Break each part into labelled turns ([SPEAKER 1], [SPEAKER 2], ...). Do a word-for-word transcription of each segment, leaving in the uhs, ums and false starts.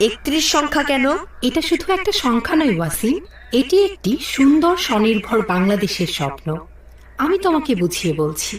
[SPEAKER 1] একত্রিশ সংখ্যা কেন?
[SPEAKER 2] এটা শুধু একটা সংখ্যা নয় ওয়াসিম, এটি একটি সুন্দর স্বনির্ভর বাংলাদেশের স্বপ্ন। আমি তোমাকে বুঝিয়ে বলছি।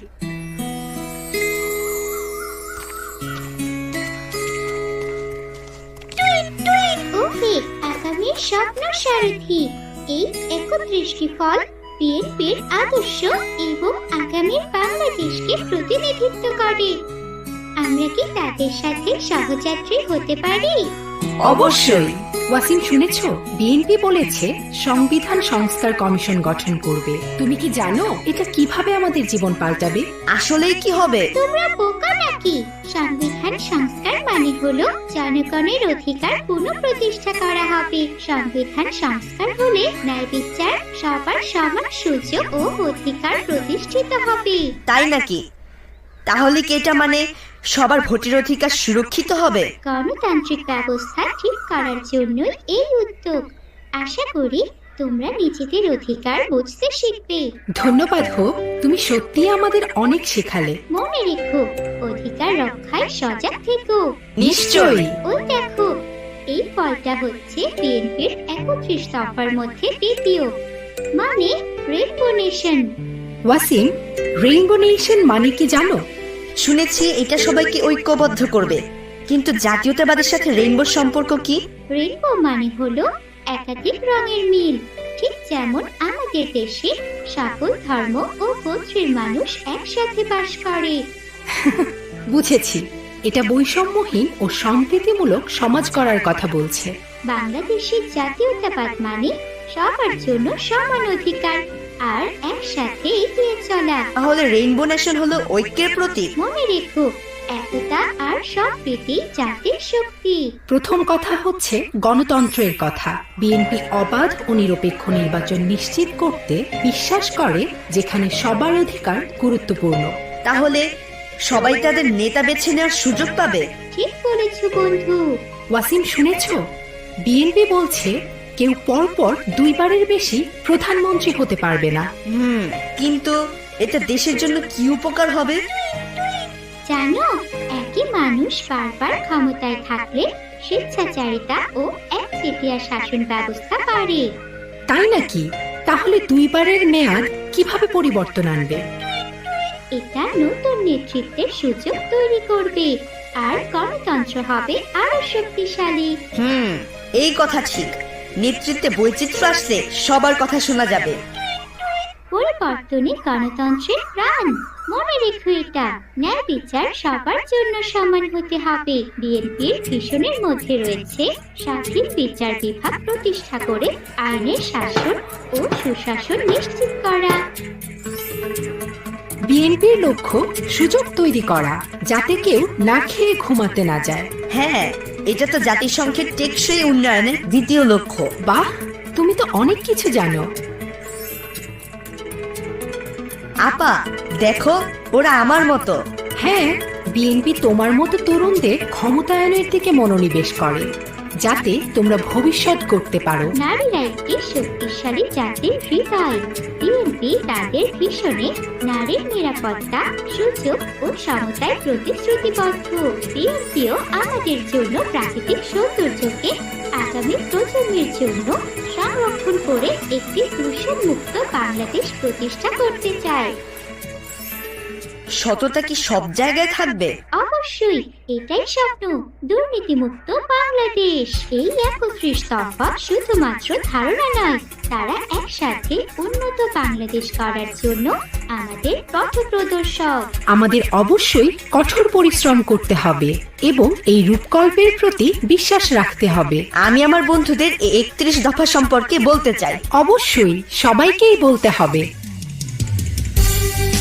[SPEAKER 3] আগামীর স্বপ্ন সারথি, এই একত্রিশটি ফল বিএনপির আদর্শ এবং আগামীর বাংলাদেশকে প্রতিনিধিত্ব করে। আমরা কি তাদের সাথে সহযাত্রী হতে পারি?
[SPEAKER 1] অবশ্যই।
[SPEAKER 2] ওয়াসিম, শুনেছ বিএনপি বলেছে সংবিধান সংস্কার কমিশন গঠন করবে। তুমি কি জানো এটা কিভাবে আমাদের জীবন পাল্টাবে?
[SPEAKER 1] আসলেই কি হবে?
[SPEAKER 3] তোমরা বোকা নাকি? সংবিধান সংস্কার মানে হলো জনগণের অধিকার পুনঃপ্রতিষ্ঠা করা হবে। সংবিধান সংস্কার হলে ন্যায় বিচার, সবার সমান সুযোগ ও অধিকার প্রতিষ্ঠিত হবে।
[SPEAKER 1] তাই নাকি? তাহলে কি এটা মানে সবার ভোটের অধিকার সুরক্ষিত হবে?
[SPEAKER 3] গণতান্ত্রিক ব্যবস্থা ঠিক করার জন্যই এই উদ্যোগ। আশা করি তোমরা নিজেদের অধিকার বুঝতে শিখবে।
[SPEAKER 2] ধন্যবাদ হোক, তুমি সত্যিই আমাদের অনেক শেখালে।
[SPEAKER 3] মনে রেখো, অধিকার রক্ষায় সজাগ থেকো।
[SPEAKER 1] নিশ্চয়ই।
[SPEAKER 3] ওই দেখো, এই ফলটা হচ্ছে বিএনপির একত্রিশ দফার মধ্যে দ্বিতীয়, মানে rainbow nation.
[SPEAKER 2] Wasim, rainbow nation মানে কি জানো?
[SPEAKER 1] শুনেছি এটা সবাইকে ঐক্যবদ্ধ করবে, কিন্তু জাতীয়তাবাদের সাথে রেইনবোর সম্পর্ক কি?
[SPEAKER 3] রেইনবো মানে হলো একাধিক রঙের মিল। ঠিক যেমন আমাদের দেশে সকল ধর্ম ও গোত্রের মানুষ একসাথে বাস করে।
[SPEAKER 2] বুঝেছি, এটা বৈষম্যহীন ও সম্প্রীতিমূলক সমাজ করার কথা বলছে।
[SPEAKER 3] বাংলাদেশের জাতীয়তাবাদ মানে সবার জন্য সমান অধিকার আর একসাথে এগিয়ে চলা।
[SPEAKER 1] তাহলে রেইনবো নেশন হলো ঐক্যের প্রতীক।
[SPEAKER 3] মনে রেখো, একতা আর সম্প্রীতি জাতির শক্তি।
[SPEAKER 2] প্রথম কথা হচ্ছে গণতন্ত্রের কথা। বিএনপি অবাধ ও নিরপেক্ষ নির্বাচন নিশ্চিত করতে বিশ্বাস করে, যেখানে সবার অধিকার গুরুত্বপূর্ণ।
[SPEAKER 1] তাহলে সবাই তাদের নেতা বেছে নেওয়ার সুযোগ পাবে।
[SPEAKER 3] ঠিক বলেছ বন্ধু।
[SPEAKER 2] ওয়াসিম, শুনেছ বিএনপি বলছে কেউ পরপর দুইবারের বেশি প্রধানমন্ত্রী হতে পারবে না।
[SPEAKER 1] হুম, কিন্তু এটা দেশের জন্য কি উপকার হবে?
[SPEAKER 3] জানো, একই মানুষ বারবার ক্ষমতায় থাকলে স্বেচ্ছাচারিতা ও একচেটিয়া শাসন ব্যবস্থা বাড়ে।
[SPEAKER 2] তাই নাকি? তাহলে দুইবারের মেয়াদ কিভাবে পরিবর্তন আনবে?
[SPEAKER 3] এটা নতুন নেতৃত্বের সুযোগ তৈরি করবে আর গণতন্ত্র হবে আরো শক্তিশালী।
[SPEAKER 1] হুম, এই কথা ঠিক। নেতৃত্বে বৈচিত্র্য আসলে সবার কথা শোনা যাবে।
[SPEAKER 3] পরিবর্তনে গণতন্ত্রের প্রাণ। মনে রেখো এটা, ন্যায় বিচার সবার জন্য সমান হতে হবে। বিএনপির ভিশনের মধ্যে রয়েছে স্বাধীন বিচার বিভাগ প্রতিষ্ঠা করে আইনের শাসন ও সুশাসন নিশ্চিত করা।
[SPEAKER 2] বিএনপির লক্ষ্য সুযোগ তৈরি করা, যাতে কেউ না খেয়ে ঘুমাতে না যায়।
[SPEAKER 1] হ্যাঁ, এটা তো জাতিসংঘের টেকসই উন্নয়নের দ্বিতীয় লক্ষ্য।
[SPEAKER 2] বাহ, তুমি তো অনেক কিছু জানো।
[SPEAKER 1] আপা, দেখো, ওরা আমার মতো।
[SPEAKER 2] হ্যাঁ, বিএনপি তোমার মতো তরুণদের ক্ষমতায়নের দিকে মনোনিবেশ করে, যাতে তোমরা ভবিষ্যৎ করতে পারো।
[SPEAKER 3] নারীরা একটি শক্তিশালী জাতির হৃদয়। বিএনপি তাদের ভিশনে নারীর নিরাপত্তা, সুযোগ ও সমতায় প্রতিশ্রুতিবদ্ধ। বিএনপিও আমাদের জন্য প্রাকৃতিক সৌন্দর্যকে আগামী প্রজন্মের জন্য সংরক্ষণ করে একটি দূষণমুক্ত বাংলাদেশ প্রতিষ্ঠা করতে চায়।
[SPEAKER 1] সততা কি সব জায়গায় থাকবে?
[SPEAKER 3] অবশ্যই, এটাই স্বপ্ন, দুর্নীতিমুক্ত বাংলাদেশ। এই একত্রিশ দফা শুধুমাত্র ধারণা নয়, তারা একসাথে উন্নত বাংলাদেশ করার জন্য আমাদের পথপ্রদর্শক।
[SPEAKER 2] আমাদের অবশ্যই কঠোর পরিশ্রম করতে হবে এবং এই রূপকল্পের প্রতি বিশ্বাস রাখতে হবে।
[SPEAKER 1] আমি আমার বন্ধুদের এই একত্রিশ দফা সম্পর্কে বলতে চাই।
[SPEAKER 2] অবশ্যই সবাইকেই বলতে হবে।